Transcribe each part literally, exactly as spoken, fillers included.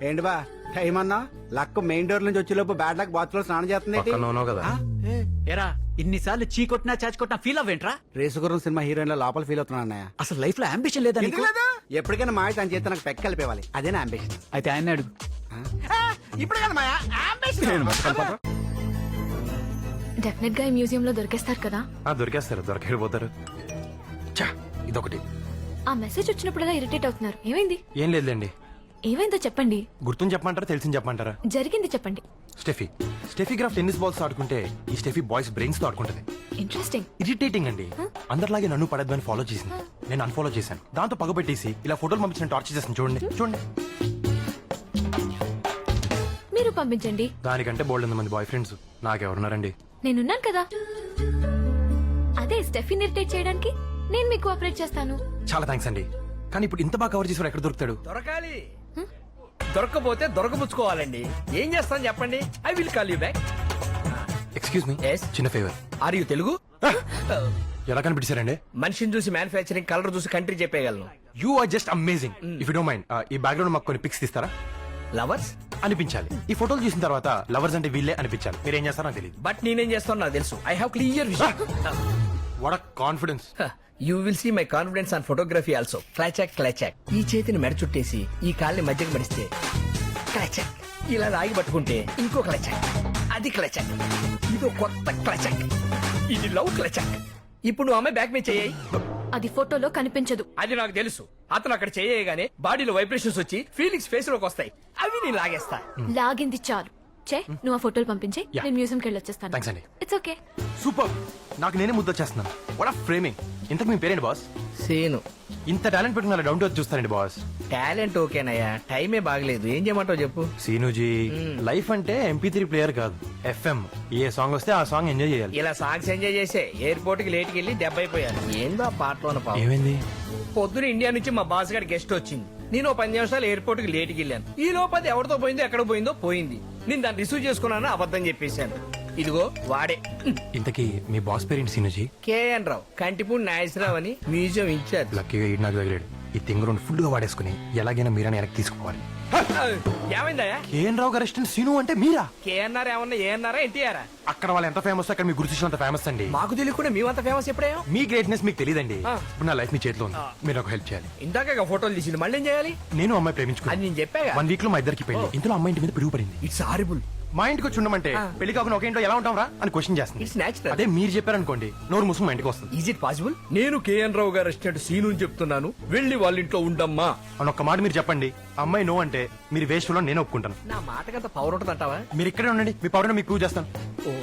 ఏంటి బా టైం అన్నా లక్ మెయిన్ డోర్ నుంచి వచ్చేలోపు బ్యాడ్ లక్ బాత్ లో స్నానం చేస్తుంది కదా ఎరా ఇన్నిసార్లు చీ కొట్టినా చాచి కొట్టినా ఫీల్ అవ్వేంట్రా? రేసుగురం సినిమా హీరోయిన్ లో లోపల ఫీల్ అవుతున్నా అన్నయ్య. అసలు లైఫ్ లో అంబిషన్ లేదా నీకు? ఎప్పటికైనా మాయ తన చేత నాకు పెక్క కలిపేవాలి, అదే నా అంబిషన్. అయితే ఆయన అడుగు. ఇప్పుడు కదా మాయా డెఫినెట్ గా ఈ మ్యూజియం లో దొరికేస్తారు కదా. దొరికేస్తారు, దొరకెళ్ళిపోతారు. చా ఇదొకటి. ఆ మెసేజ్ వచ్చినప్పుడల్లా ఇరిటేట్ అవుతున్నారు, ఏమైంది? ఏం లేదులేండి. ఏమైందో చెప్పండి. గుర్తుని చెప్పమంటారా తెలిసింది చెప్పమంటారా? జరిగింది చెప్పండి. Steffi Steffi Graf tennis balls ఆడుకుంటే ఈ స్టెఫీ బాయ్స్ బ్రెయిన్స్ తో ఆడుకుంటది. ఇంట్రెస్టింగ్. ఇరిటేటింగ్ అండి. అందరిలాగే నన్ను పడద్దని ఫాలో చేసింది, నేను అన్ఫాలో చేశాను. దాంతో పగబెట్టేసి ఇలా ఫోటోలు పంపించిన టార్చర్ చేస్తాను. చూడండి చూడండి. మీరు పంపించండి. దానికంటే బోల్డ్ మంది బాయ్ ఫ్రెండ్స్ నాకెవరున్నారండి? నేనున్నాను కదా. అదే స్టెఫీని ఇరిటేట్ చేయడానికి నేను మీకు కోఆపరేట్ చేస్తాను. చాలా థ్యాంక్స్ అండి. కానీ ఇప్పుడు ఇంత బాగా కవర్ చేసి ఎక్కడ దొరుకుతాడు? దొరకాలి. దొరకపోతే దొరకబుచ్చుకోవాలండి. ఏం చేస్తాను చెప్పండి. I will call you back. Excuse me, Yes? చిన్న ఫేవర్. Are you Telugu? ఎలా కనిపించారండి? మనిషిని చూసి మ్యానుఫ్యాక్చరింగ్, కలర్ చూసి కంట్రీ చెప్పేయగలను. You are just amazing. If you don't mind ఈ బ్యాక్గ్రౌండ్ మాకు కొన్ని పిక్స్ తీస్తారా? లవర్స్ అనిపించాలి. ఈ ఫోటోలు చూసిన తర్వాత లవర్స్ అంటే వీళ్ళే అనిపించాలి. మీరు ఏం చేస్తారో నాకు తెలియదు. బట్ నేనేం చేస్తాను నాకు తెలుసు. I have clear vision. What a confidence. You will see my confidence on photography also. క్లాచాక్ క్లాచాక్. ఈ చేతిని మెడ చుట్టేసి ఈ కాల్ని మధ్యకి మడిస్తే క్లాచాక్. ఇలా రాగి పట్టుకుంటే ఇంకో క్లాచాక్. అది క్లాచాక్. ఇదో కొత్త క్లాచాక్. ఇది లవ్ క్లాచాక్. ఇప్పుడు నువ్వు అమ్మాయి బ్యాక్ మీద చేయి. అది ఫోటోలో కనిపించదు. అది నాకు తెలుసు. అతను అక్కడ చేయగానే బాడీలో వైబ్రేషన్స్ వచ్చి ఫీలింగ్స్ ఫేస్ లోకి వస్తాయి. అవి నేను లాగేస్తా. లాగింది చాలు. చే నువ్వు ఆ ఫోటోలు పంపించే, Yeah. నేను మ్యూజియంకి వెళ్ళి వచ్చేస్తాను. థ్యాంక్స్ అండి. It's okay. సూపర్. నాకు నేనే ముద్ద చేస్తున్నాను. వాట్ ఆ ఫ్రేమింగ్. ఇంతకు మీ పేరేంటి బాస్? సేను. ఇంత టాలెంట్ పెట్టుకున్న డౌన్ టు ఎర్త్ చూస్తానండి బాస్. టాలెంట్ ఓకేనయ్యా, టైమే బాగలేదు. ఏం చేయమంటావు చెప్పు. సీనుజీ, లైఫ్ అంటే ఎంపీ త్రీ ప్లేయర్ కాదు, ఎఫ్ఎం. ఏ సాంగ్ వస్తే ఆ సాంగ్ ఎంజాయ్ చేయాలి. ఇలా సాంగ్స్ ఎంజాయ్ చేసే ఎయిర్పోర్ట్ కి లేట్కి వెళ్ళి దెబ్బ అయిపోయాను. ఏందో ఆ పాటలో పాపం. ఏమైంది? పొద్దున ఇండియా నుంచి మా బాస్ గారి గెస్ట్ వచ్చింది. నేను ఓ పది నిమిషాలు ఎయిర్పోర్ట్ కి లేట్కి వెళ్ళాను. ఈ లోపు అది ఎవరితో పోయిందో ఎక్కడ పోయిందో పోయింది. నేను దాన్ని రిసీవ్ చేసుకున్నాను, అబద్ధం చెప్పేశాను. ఇదిగో వాడే. ఇంతకీ మీ బాస్ పేరేంటి సీనుజీ? కేఎన్ రావు, కంటిపూడి నాగేశ్వరరావు అని మ్యూజియం ఇన్ఛార్జ్. లక్కీగా ఈ నాకు తగిలాడు. ఈ తింగ రెండు ఫుల్ గా వాడేసుకుని ఎలాగైనా మీరని వెనక్కి తీసుకోవాలి. ఏమైందయ్యా? కేఎన్ రావు గారు అసిస్టెంట్ సీను అంటే మీరా? కేఎన్ఆర్ ఏమన్నా ఏఎన్ఆరా ఎన్టీఆరా? అక్కడ వాళ్ళు ఎంత ఫేమస్, అక్కడ మీ గుర్తు అంత ఫేమస్ అండి. మాకు తెలియకుండా మేమంత ఫేమస్ ఎప్పుడేమో. మీ గ్రేట్నెస్ మీకు తెలియదండి. ఆ. ఇప్పుడు నా లైఫ్ మీ చేతిలో ఉంది, మీరు నాకు హెల్ప్ చేయాలి. ఇందాక ఫోటోలు తీసింది, మళ్ళీ ఏం చేయాలి? నేను అమ్మాయి అది ప్రేమించుకున్నాను. నేను చెప్పాగా. వన్ వీక్ లో మా ఇద్దరికి పెళ్లి. ఇందులో అమ్మాయి ఇంటి మీద పిడుగు పడింది. It's horrible. మా ఇంటికి వచ్చి ఉండమంటే ఆ. పెళ్లి కాకుండా ఒక ఇంట్లో ఎలా ఉంటాం రా అని క్వశ్చన్ చేస్తుంది. It's natural. అదే మీరు చెప్పారనుకోండి, నోరు మూసుకుని మా ఇంటికి వస్తుంది. Is it possible? నేను కేఎన్ రావు గారు అసిస్టెంట్ సీను అని చెప్తున్నాను, వెళ్ళి వాళ్ళ ఇంట్లో ఉండమ్మా అని ఒక్క మాట మీరు చెప్పండి. అమ్మాయి నో అంటే మీరు వేస్ట్ లో నేను ఒప్పుకుంటాను. నా మాటకంత పవర్ ఉంటుంది అంటావా? మీరు ఇక్కడే ఉండండి, మీ పవర్ మీకు ప్రూవ్ చేస్తాను.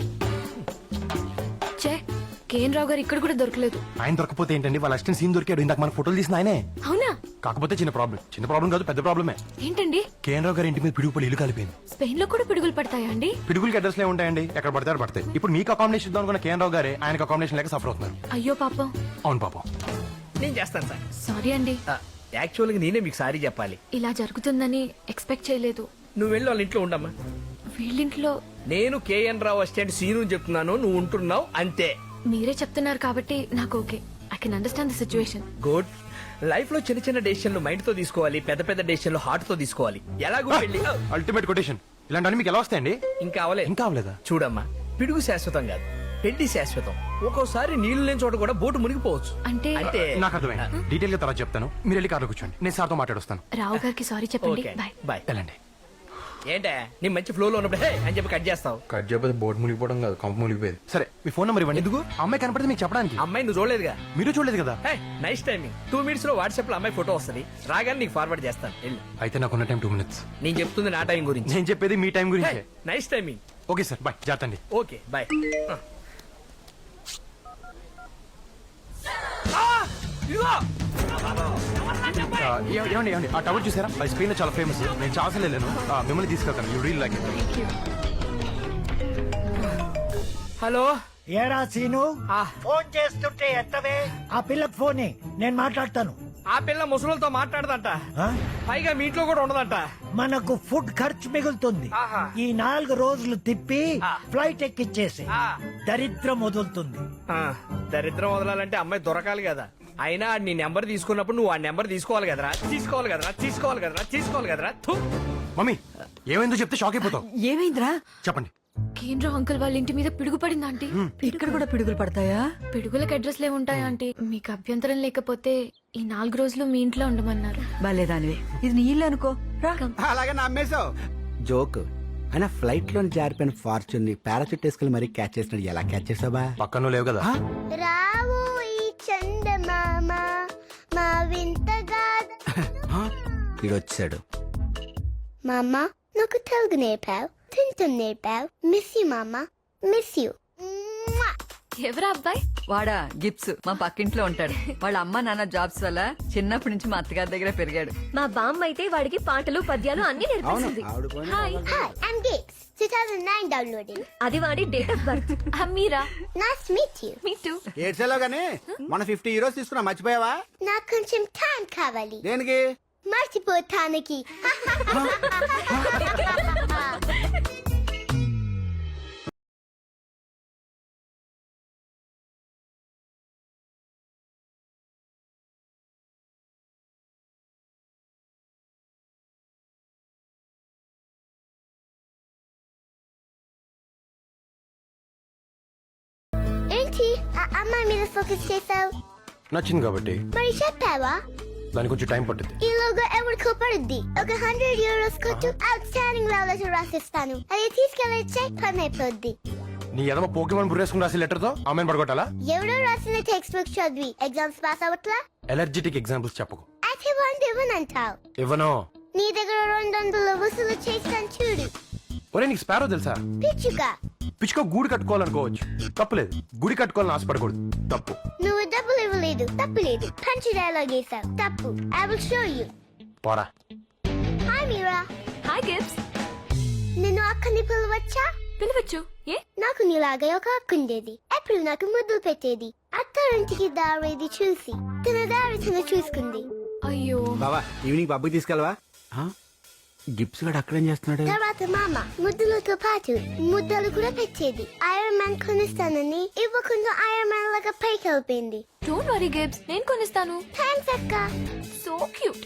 చే కేఎన్ రావు గారు ఇక్కడ కూడా దొరకలేదు. ఆయన దొరకపోతే ఏంటండి, వాళ్ళ అసిస్టెంట్ సీన్ దొరికాడు. ఇందాక మన ఫోటోలు తీసిన ఆయనే. అవునా? కాకపోతే చిన్న ప్రాబ్లం. చిన్న ప్రాబ్లం కాదు, పెద్ద ప్రాబ్లమే. ఏంటండి? కేఎన్ రావు గారి ఇంటి మీద పిడుగు పడి ఇల్లు కలిపింది. స్పెయిన్ లో కూడా పిడుగులు పడతాయా అండి? పిడుగులకి అడ్రస్ లే ఉంటాయండి, ఎక్కడ పడతారు పడతాయి. ఇప్పుడు మీకు అకామిడేషన్ ఇద్దాం అనుకున్న కేఎన్ రావు గారే ఆయనకు అకామిడేషన్ లేక సఫర్ అవుతున్నారు. అయ్యో పాపం. అవును పాపం. నేను చేస్తాను సార్. సారీ అండి. యాక్చువల్ గా నేనే మీకు సారీ చెప్పాలి. ఇలా జరుగుతుందని ఎక్స్పెక్ట్ చేయలేదు. నువ్వు వెళ్ళి వాళ్ళ ఇంట్లో ఉండమ్మా. వీళ్ళింట్లో నేను కేఎన్ రావు అసిస్టెంట్ సీను అని చెప్తున్నాను, నువ్వు ఉంటున్నావు అంతే. మీరే చెప్తున్నారు కాబట్టి నాకు okay. I can understand the situation. Good. Life లో చిన్న చిన్న డెసిషన్లు మైండ్ తో తీసుకోవాలి, పెద్ద పెద్ద డెసిషన్లు హార్ట్ తో తీసుకోవాలి. ఎలాగో వెళ్ళి అల్టిమేట్ కొటేషన్. ఇలాంటి మీకు ఎలా వస్తాయండి? ఇంకా అవలే ఇంకా అవలేదా? చూడమ్మా, పిడుగు శాశ్వతం కాదు, పెళ్లి శాశ్వతం. ఒక్కోసారి నీళ్లు లేని చోట కూడా బోటు మునిగిపోవచ్చు. అంటే అంటే నాకు అర్థమైంది. డీటెయిల్ గా తర్వాత చెప్తాను, మీరు వెళ్ళి కార్లో కూర్చోండి, నేను సార్తో మాట్లాడొస్తాను. రావు గారికి సారీ చెప్పండి. Okay bye. బాయ్. వెళ్ళండి. ఏంటే నీ మంచి ఫ్లో లో ఉన్నప్పుడు హే అని చెప్పి కట్ చేస్తావు? కట్ చేయకపోతే బోర్డు మునిగిపోవడం కాదు, కంప మునిగిపోయేది. సరే మీ ఫోన్ నెంబర్ ఇవ్వండి. ఎందుకు? అమ్మాయి కనపడితే మీకు చెప్పడానికి. అమ్మాయి నువ్వు చూడలేదుగా? మీరు చూడలేదు కదా? Hey nice timing. Two minutes లో వాట్సాప్ లో అమ్మాయి ఫోటో వస్తుంది, రాగానే నీకు ఫార్వర్డ్ చేస్తాను. వెళ్ళు. అయితే నాకున్న టైం టూ మినిట్స్. నేను చెప్తుంది నా టైం గురించి. నేను చెప్పేది మీ టైం గురించి. Nice timing. Okay sir, bye. జాతండి. Okay bye. ఏమండి ఏమండి ఆ టవర్ చూసారా? అది స్పెయిన్ లో చాలా ఫేమస్. నేను చాలా సార్లు వెళ్ళాను. ఆ, మిమ్మల్ని తీసుకెళ్తాను. You real like it. Hello. ఏరా సీను, ఆ. ఫోన్ చేస్తుంటే ఎత్తవే. ఆ పిల్లకి ఫోనే, నేను మాట్లాడతాను. ఆ పిల్ల ముసలితో మాట్లాడదంట, ఆ? పైగా మీ ఇంట్లో కూడా ఉండదంట. మనకు ఫుడ్ ఖర్చు మిగులుతుంది. ఆహా. ఈ నాలుగు రోజులు తిప్పి ఆ. ఫ్లైట్ ఎక్కిచ్చేసి ఆ. దరిద్రం వదులుతుంది. ఆ, దరిద్రం వదలాలంటే అమ్మాయి దొరకాలి కదా. అయినా నీ నెంబర్ తీసుకున్నప్పుడు నువ్వు ఆ నెంబర్ తీసుకోవాలి కదరా, తీసుకోవాలి కదరా, తీసుకోవాలి కదరా, తీసుకోవాలి కదరా. థు. మమ్మీ ఏమైందో చెప్తే షాక్ అయిపోతావు. ఏమైందిరా? చెప్పండి. కేంద్ర అంకుల్ వాళ్ళ ఇంటి మీద పిడుగు పడింది ఆంటీ. ఇక్కడ కూడా పిడుగులు పడతాయా? పిడుగులకు అడ్రస్ లే ఉంటాయా ఆంటీ? మీకు అభ్యంతరం లేకపోతే ఈ నాలుగు రోజులు మీ ఇంట్లో ఉండమన్నారు. బాలేదానివే, ఇది నీ ఇల్లు అనుకో రా. అలాగే నమ్మేశావు. జోక్ అయినా ఫ్లైట్ లో జారిపోయిన ఫార్చ్యూన్ ని పారాచూట్ వేసుకెళ్ళి మరీ క్యాచ్ చేసినాడు. ఎలా క్యాచ్ చేసావా? పక్కన లేవు కదా. రావు ఈ చందమామ మా వింతగా ఇది వచ్చాడు. మామ నాకు తెలుగు నేర్పావు, తింటం నేర్పావు. మిస్ యూ మామ, మిస్ యూ. ఎవరా అబ్బాయి? వాడా గిప్స్, మా పక్కింట్లో ఉంటాడు. వాళ్ళ అమ్మ నాన్న జాబ్స్ వల్ల చిన్నప్పటి నుంచి మా అత్తగారి దగ్గర పెరిగాడు. మా బామ్మ అయితే వాడికి పాటలు పద్యాలు అన్ని అవును నేర్పిస్తుంది. ఆవిడ పోయిన hi. Hi, I'm Gips. two thousand nine downloading. అది వాడి date of birth. Meera? Nice to meet you. Me too. ఏడ్చేలో గానీ మన ఫిఫ్టీ హీరోస్ తీసుకున్నా మర్చిపోయావా? నాకు కొంచెం టైం కావాలి దేనికి? మర్చిపోతానికి. ఏంటి ఆ అమ్మాయి మీద ఫోకస్ చేసావు? నచ్చింది కాబట్టి. మరి చెప్పావా? దానికి కొంచెం టైం పట్టింది. ఈ లోగో ఎవరికో పడుద్ది. ఒక హండ్రెడ్ యూరోస్ కొట్టు, అవుట్ స్టాండింగ్ లెవెల్ రాసిస్తాను. అది తీసుకెళ్ళొచ్చే పని అయిపోద్ది. నీ ఎదమ పోకేమాన్ బుర్రేసుకుని రాసి లెటర్ తో ఆమెను పడగొట్టాలా? ఎవరో రాసిన టెక్స్ట్ బుక్ చదివి ఎగ్జామ్స్ పాస్ అవట్లా? ఎలర్జెటిక్ ఎగ్జాంపుల్స్ చెప్పకు. అయితే వంద ఇవ్వనంటావు. ఇవ్వను. నీ దగ్గర రెండు వందలు వసూలు చేస్తాను చూడు. ఒరే నీకు స్పారో తెలుసా? పిచ్చుగా పిచ్చుకో గూడు కట్టుకోవాలనుకోవచ్చు, తప్పులేదు. గుడి కట్టుకోవాలని ఆశపడకూడదు, తప్పు. నువ్వు డబ్బులు ఇవ్వలేదు, తప్పు లేదు. పంచి డైలాగ్ వేసావు, తప్పు. I will show you. పోరా. హాయ్ మీరా. Hi Gips. నిన్ను అక్కని పిలవచ్చా? పిలవచ్చు. ఏ? నాకు నీలాగే ఒక అక్క ఉండేది. ఎప్పుడు నాకు ముద్దులు పెట్టేది. అత్తారింటికి దారేది చూసి తన దారి తను చూసుకుంది. అయ్యో. బావా ఈవినింగ్ పబ్కి తీసుకెళ్ళవా? గిప్స్ గడు అక్కడేం చేస్తున్నాడు? తర్వాత మామ ముద్దులతో పాటు ముద్దలు కూడా పెట్టేది. ఐరన్ మ్యాన్ కొనిస్తానని ఇవ్వకుండా ఐరన్ మ్యాన్ లాగా పైకి వెళ్ళిపోయింది. డోంట్ వరీ గిప్స్, నేను కొనిస్తాను. థ్యాంక్స్ అక్క. So cute.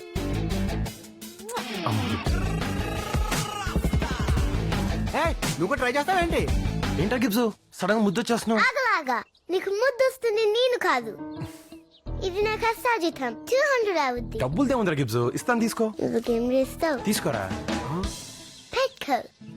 ఏయ్, నువ్వు కూడా ట్రై చేస్తావేంటి? ఏంటా గిబ్స్ సడన్ గా ముద్దు వచ్చేస్తున్నావు? ఆగలాగా నీకు ముద్దు వస్తుంది, నేను కాదు. ఇది నాకు అసాజితం. టూ హండ్రెడ్ అవుద్ది. డబ్బులు దేముందిరా గిబ్స్, ఇస్తాను తీసుకో. నువ్వుకేం చేస్తావు? తీసుకోరా. పెట్టుకో.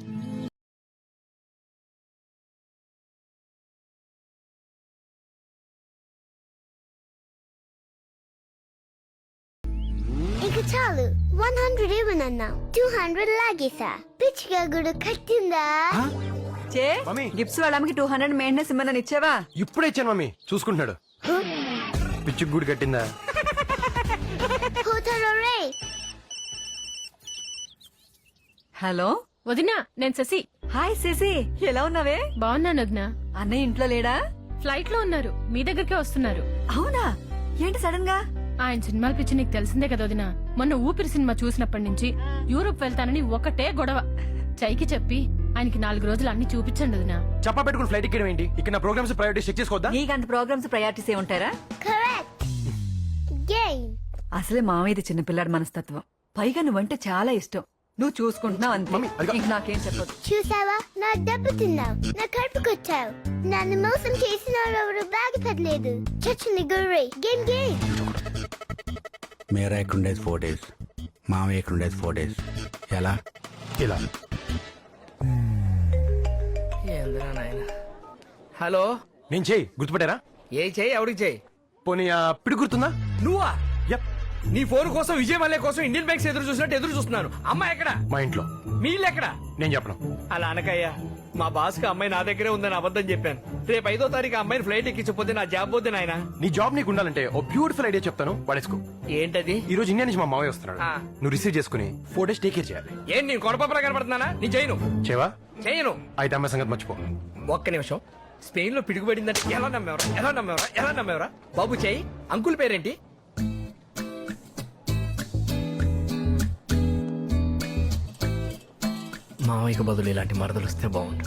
ఇంకా చాలు. వన్ హండ్రెడ్ ఇవ్వనన్నా, టూ హండ్రెడ్ లాగేసా. పిచ్చిగా గుడు కట్టిందా? చే మమ్మీ. గిప్స్ వాళ్ళ అమ్మకి టూ హండ్రెడ్ మెయింటెనెన్స్ ఇమ్మని ఇచ్చావా? ఇప్పుడే ఇచ్చాను మమ్మీ, చూసుకుంటున్నాడు. పిచ్చి గూడు కట్టిందా? పోతారో రే. హలో వదినా, నేను శశి. హాయ్ శశి, ఎలా ఉన్నావే? బాగున్నాను వదినా. అన్నయ్య ఇంట్లో లేడా? ఫ్లైట్ లో ఉన్నారు, మీ దగ్గరికే వస్తున్నారు. అవునా? ఏంటి సడన్ గా? ఆయన సినిమాల పిచ్చి నీకు తెలిసిందే కదా వదినా. మొన్న ఊపిరి సినిమా చూసినప్పటి నుంచి యూరోప్ వెళ్తానని ఒకటే గొడవ. చైకి చెప్పి ఆయనకి నాలుగు రోజులు అన్ని చూపించండి వదినా. చెప్పా పెట్టుకుని ఫ్లైట్ ఎక్కడం ఏంటి? ఇక్కడ నా ప్రోగ్రామ్స్ ప్రయారిటీ చెక్ చేసుకోవద్దా? నీకంత ప్రోగ్రామ్స్ ప్రయారిటీస్ ఏ ఉంటారా? కరెక్ట్. గేమ్. అసలే మామయ్యది చిన్నపిల్లాడి మనస్తత్వం. పైగా నువ్వంటే చాలా ఇష్టం. నువ్వు చూసుకుంటున్నావు అంతే. మమ్మీ, అదిగో. ఇంక నాకేం చెప్పదు. చూసావా, నా డబ్బు తిన్నావు, నా కడుపు కొట్టావు. నన్ను మోసం చేసిన ఎవరు బాగుపడలేదు. చచ్చింది గుర్రే. Game game. మేరా ఇక్కడ ఉండేది ఫోర్ డేస్, మామయ్య ఇక్కడ ఉండేది ఫోర్ డేస్. ఎలా? ఇలా. ఏందిరా నాయన. హలో, నేను చేయి గుర్తుపట్టారా? ఏ చెయ్యి ఎవరికి చెయ్యి? పోనీ ఆ పిడి గుర్తుందా? నువ్వా? యప్. నీ ఫోన్ కోసం విజయ్ మల్లె కోసం ఇండియన్ బ్యాంక్స్ ఎదురు చూసినట్టు ఎదురు చూస్తున్నాను. అమ్మాయి ఎక్కడ? మా ఇంట్లో. మీ ఇల్లు ఎక్కడ? నేను చెప్పను. అలా అనకయ్యా. మా బాస్ కి అమ్మాయి నా దగ్గరే ఉందని అబద్ధం చెప్పాను. రేపు ఐదో తారీఖు అమ్మాయిని ఫ్లైట్ ఎక్కించకపోతే నా జాబ్ పోతే నాయన. నీ జాబ్ నీకు ఉండాలంటే ఓ బ్యూటిఫుల్ ఐడియా చెప్తాను, పడేసుకో. ఏంటది? ఈ రోజు ఇండియా నుంచి మా మావయ్య వస్తున్నాడు. ఆ. నువ్వు రిసీవ్ చేసుకుని ఫోర్ డేస్ టేక్ కేర్ చేయాలి. ఏం నేను కొడపప్పలా కనపడుతున్నానా? నీ చేయను చేవా? చేయను. అయితే అమ్మాయి సంగతి మర్చిపో. ఒక్క నిమిషం. స్పెయిన్ లో పిడుగుపడిందంటే ఎలా నమ్మేవరా? ఎలా నమ్మేవరా? ఎలా నమ్మేవరా? బాబు చెయ్యి. అంకుల్ పేరేంటి? మామయ్యకు బదులు ఇలాంటి మరదలు వస్తే బాగుండు.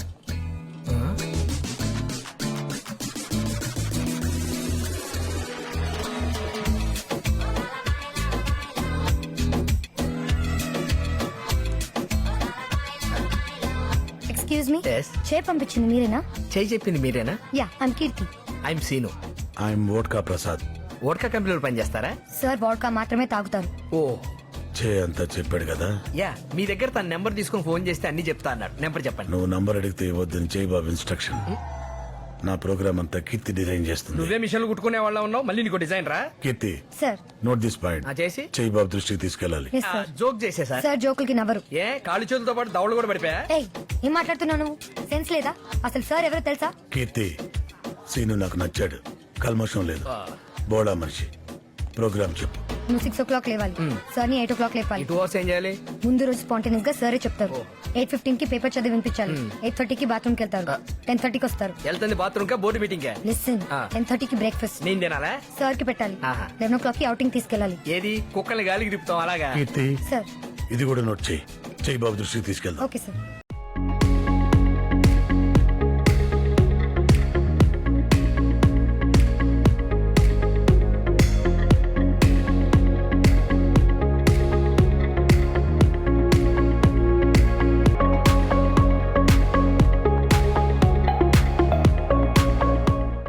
Excuse me Yes. చే పంపించింది మీరేనా? చేయి చెప్పింది మీరేనా? Yeah I'm Keerthi. I'm Seenu. I'm vodka Prasad. Vodka కంపెనీలో పనిచేస్తారా? సార్ వాడ్కా మాత్రమే తాగుతారు. ఓ చే అంతా చెప్పాడు కదా. యా మీ దగ్గర తన నెంబర్ తీసుకొని ఫోన్ చేస్తే అన్ని చెప్తా అన్నాడు. నెంబర్ చెప్పండి. నువ్వు నంబర్ అడిగితే ఇవ్వద్దని చేయి బాబు ఇన్స్ట్రక్షన్. నా ప్రోగ్రామ్ అంతా కీర్తి డిజైన్ చేస్తుంది. నువ్వే మిషన్లు కుట్టుకునే వాళ్ళ ఉన్నావు, మళ్ళీ నీకు డిజైన్ రా. Keerthi sir note this point. ఆ, చేసి చేయి బాబు దృష్టికి తీసుకెళ్ళాలి. Yes sir. జోక్ చేసే సార్. సార్ జోకులకి నవ్వరు. ఏ కాళ్ళు చేతులతో పాటు దవడలు కూడా పడిపోయా? ఏయ్ ఏం మాట్లాడుతున్నావు నువ్వు? సెన్స్ లేదా? అసలు సార్ ఎవరో తెలుసా? కీర్తి సీను నాకు నచ్చాడు. కల్మషం లేదు, బోడా మనిషి. ప్రోగ్రామ్ చెప్పు. నువ్వు సిక్స్ ఓ క్లాక్ లేవాలి. సార్ ని ఎయిట్ ఓ క్లాక్ లేపాలి. టూ అవర్స్ ఏం చేయాలి? ముందు రోజు స్పాంటేనియస్ గా సరే చెప్తారు. ఎయిట్ ఫిఫ్టీన్ కి పేపర్ చదివి వినిపించాలి. ఎయిట్ థర్టీకి బాత్రూమ్ కి వెళ్తారు. టెన్ థర్టీకి వస్తారు. వెళ్తుంది బాత్రూమ్ కా బోర్డు మీటింగ్ కా? లిసన్ ఆ. టెన్ థర్టీకి బ్రేక్ఫాస్ట్ నేను తినాలా? సార్ కి పెట్టాలి. ఆహా. లెవెన్ ఓ క్లాక్ కి అవుటింగ్ తీసుకెళ్ళాలి. ఏది కుక్కల్ని గాలికి తిప్పుతాం అలాగా? కీర్తి సార్ ఇది కూడా నోట్ చేయి. చేయి బాబు దృష్టికి తీసుకెళ్దాం. Okay sir.